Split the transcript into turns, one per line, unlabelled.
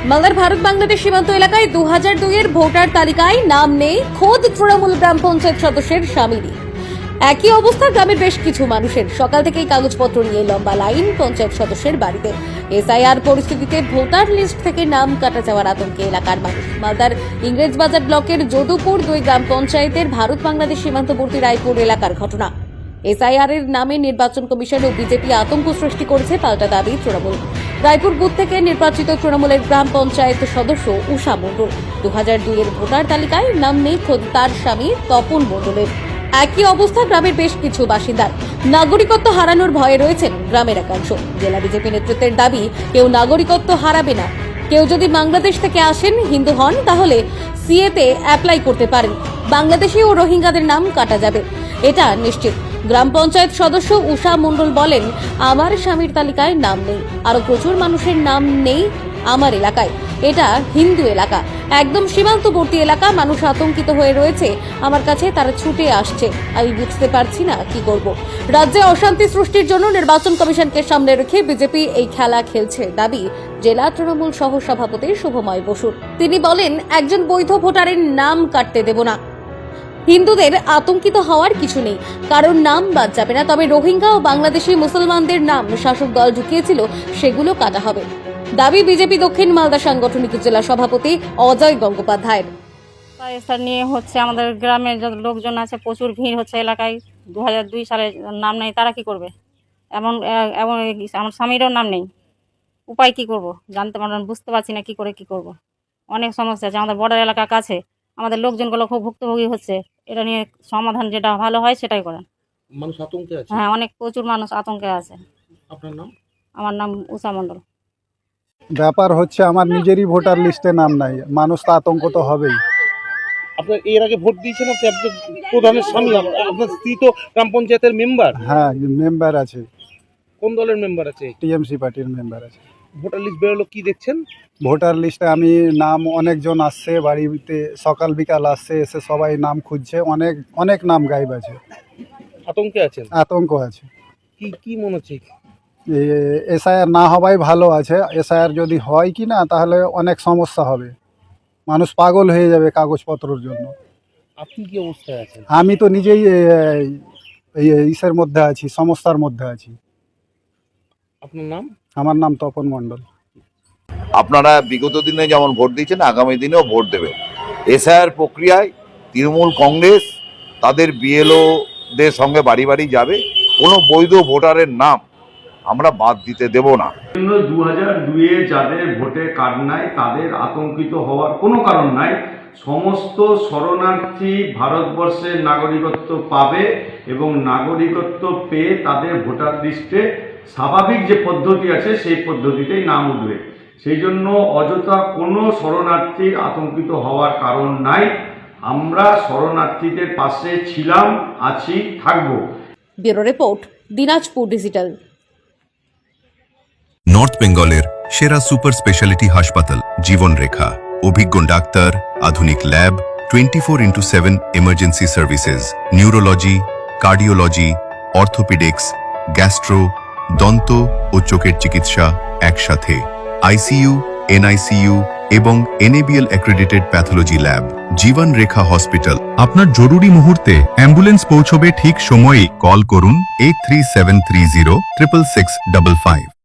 মালদার ভারত বাংলাদেশ সীমান্ত এলাকায় 2002-এর ভোটার তালিকায় নাম নেই খোদ তৃণমূল গ্রাম পঞ্চায়েত সদস্যের স্বামীরই। একই অবস্থা গ্রামের বেশ কিছু মানুষের। সকাল থেকেই কাগজপত্র নিয়ে লম্বা লাইন পঞ্চায়েত সদস্যের বাড়িতে। এসআইআর পরিস্থিতিতে ভোটার লিস্ট থেকে নাম কাটা যাওয়ার আতঙ্কে এলাকার মানুষ। মালদার ইংরেজবাজার ব্লকের যদুপুর 2 গ্রাম পঞ্চায়েতের ভারত বাংলাদেশ সীমান্তবর্তী রায়পুর এলাকার ঘটনা। এসআইআর এর নামে নির্বাচন কমিশন ও বিজেপি আতঙ্ক সৃষ্টি করেছে, পাল্টা দাবি তৃণমূল। রায়পুর বুথ থেকে নির্বাচিত তৃণমূলের গ্রাম পঞ্চায়েত সদস্য উষা মণ্ডল। 2002-এর ভোটার তালিকায় নাম নেই খোদ তার স্বামী তপন মণ্ডলের। একই অবস্থা গ্রামের বেশ কিছু বাসিন্দার। নাগরিকত্ব হারানোর ভয়ে রয়েছেন গ্রামের একাংশ। জেলা বিজেপি নেতৃত্বের দাবি, কেউ নাগরিকত্ব হারাবে না। কেউ যদি বাংলাদেশ থেকে আসেন, হিন্দু হন, তাহলে সিএতে অ্যাপ্লাই করতে পারেন। বাংলাদেশি ও রোহিঙ্গাদের নাম কাটা যাবে, এটা নিশ্চিত। গ্রাম পঞ্চায়েত সদস্য উষা মণ্ডল বলেন, আমার স্বামীর তালিকায় নাম নেই, আরো প্রচুর মানুষের নাম নেই আমার এলাকায়। এটা হিন্দু এলাকা, একদম সীমান্তবর্তী এলাকা। মানুষ আতঙ্কিত হয়ে রয়েছে আমার কাছে, তারা ছুটে আসছে। আমি বুঝতে পারছি না কি করব। রাজ্যে অশান্তি সৃষ্টির জন্য নির্বাচন কমিশনকে সামনে রেখে বিজেপি এই খেলা খেলছে, দাবি জেলা তৃণমূল সহ সভাপতি শুভময় বসুর। তিনি বলেন, একজন বৈধ ভোটারের নাম কাটতে দেব না। হিন্দুদের আতঙ্কিত হওয়ার কিছু নেই, কারণ নাম বাদ যাবে না। তবে রোহিঙ্গা ও বাংলাদেশি মুসলমানদের নাম শাসক দল ঢুকিয়েছিল, সেগুলো কাটা হবে, দাবি বিজেপি দক্ষিণ মালদা সাংগঠনিক জেলা সভাপতি অজয় গঙ্গোপাধ্যায়ের।
নিয়ে হচ্ছে আমাদের গ্রামের যত লোকজন আছে, প্রচুর ভিড় হচ্ছে এলাকায়। 2002 সালে নাম নেই, তারা কি করবে? এমন আমার স্বামীরও নাম নেই, উপায় কি করব? জানতে পারলাম, বুঝতে পারছি না কি করে কি করব। অনেক সমস্যা আছে, আমাদের বর্ডার এলাকার কাছে আমাদের লোকজনগুলো খুব ভুক্তভোগী হচ্ছে। এটা নিয়ে সমাধান যেটা ভালো হয় সেটাই করেন।
মানুষ আতঙ্কে আছে।
হ্যাঁ, অনেক প্রচুর মানুষ আতঙ্কে আছে।
আপনার নাম?
আমার নাম উষা মণ্ডল।
ব্যাপার হচ্ছে, আমার নিজেরই ভোটার লিস্টে নাম নাই, মানুষ তো আতঙ্ক তো হবেই।
আপনার এর আগে ভোট দিয়েছেন আপনি? আপনার প্রধানের স্বামী, আপনার স্ত্রী তো গ্রাম পঞ্চায়েতের মেম্বার।
হ্যাঁ, মেম্বার আছে,
কোন দলের মেম্বার আছে?
টিএমসি পার্টির মেম্বার আছে।
ভোটার লিস্ট বেরোলো, কি দেখছেন?
ভোটার লিস্টে আমি নাম, অনেকজন আসছে বাড়িতে, সকাল বিকাল আসছে, এসে সবাই নাম খুঁজছে। অনেক অনেক নাম গায়েব আছে।
আতঙ্কে আছেন?
আতঙ্ক আছে।
কি মনে হচ্ছে?
এসআইআর না হওয়াই ভালো আছে। এসআইআর যদি হয় কি না, তাহলে অনেক সমস্যা হবে, মানুষ পাগল হয়ে যাবে কাগজপত্রের জন্য।
আপনি কি অবস্থায় আছেন?
আমি তো নিজেই ইসের মধ্যে আছি, সমস্যার মধ্যে আছি।
আপনার নাম?
আমার নাম তপন মণ্ডল।
আপনারা বিগত দিনে যেমন ভোট দিয়েছেন, আগামী দিনেও ভোট দেবেন। এসআইআর প্রক্রিয়ায় তৃণমূল কংগ্রেস তাদের বিএলওদের সঙ্গে বাড়ি বাড়ি যাবে। কোনো বৈধ ভোটারের নাম আমরা বাদ দিতে দেব না।
2002-এ যাদের ভোটে কার্ড নাই, তাদের আতঙ্কিত হওয়ার কোনো কারণ নাই। সমস্ত শরণার্থী ভারতবর্ষের নাগরিকত্ব পাবে এবং নাগরিকত্ব পেয়ে তাদের ভোটার লিস্টে স্বাভাবিক যে পদ্ধতি আছে সেই পদ্ধতিতেই নাম উঠবে। সেই জন্য অযথা কোনো শরণার্থীর আতঙ্কিত হওয়ার কারণ নাই। আমরা শরণার্থীদের পাশে ছিলাম, আছি, থাকব।
Bureau report, Dinajpur digital.
North বেঙ্গলের সেরা সুপার স্পেশালিটি হাসপাতাল জীবন রেখা, অভিজ্ঞ ডাক্তার, আধুনিক lab, 24x7 emergency services, neurology, cardiology, orthopaedics, gastro, দন্ত ও চোখের চিকিৎসা একসাথে, আইসিইউ, এনআইসিইউ এবং NABL accredited pathology lab. Jibon Rekha hospital. আপনার জরুরি মুহূর্তে অ্যাম্বুলেন্স পৌঁছবে ঠিক সময়ে। কল করুন 83730 66655।